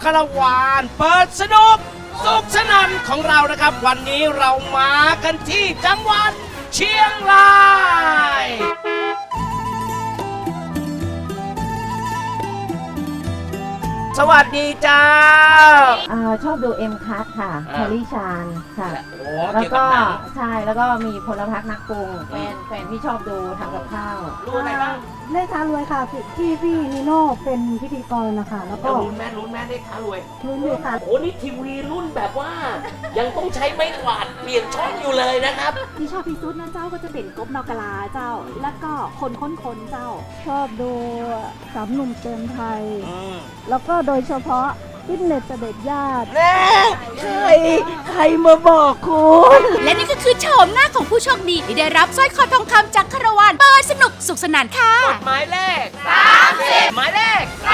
าราวานเปิดสนุกสุขสนั่นของเรานะครับวันนี้เรามากันที่จังหวัดเชียงรายสวัสดีจ้าชอบดูเอ็มคัทค่ะแคลรี่ชานค่ะโอ้แล้วเกี่ยวก็กับหนังใช่แล้วก็มีพลพักนักปรุงแฟนที่ชอบดูทำกับข้าวรู้อะไรบ้างเลขท้ารวยค่ะที่พี่นิโน่เป็นพิธีกรนะคะแล้วก็ลุ้นแม่ได้ท้ารวยลุ้นอยู่ค่ะโอ้นี่ทีวีรุ่นแบบว่า ยังต้องใช้ไม้กวาดเปลี่ยนช่องอยู่เลยนะครับที่ชอบที่สุดนะเจ้าก็จะเป็นกบนอกกะลาเจ้า แล้วก็คนค้นเจ้าชอบดูสามหนุ่มเตือนไทย แล้วก็โดยเฉพาะฟิตเนสเสด็จญาติแน่ใครมาบอกคุณและนี่ก็คือโฉมหน้าของผู้โชคดีที่ได้รับสร้อยคอทองคำจากคาราวานเปิดสนุกสุขสนานค่ะหมายเลข30หมายเลข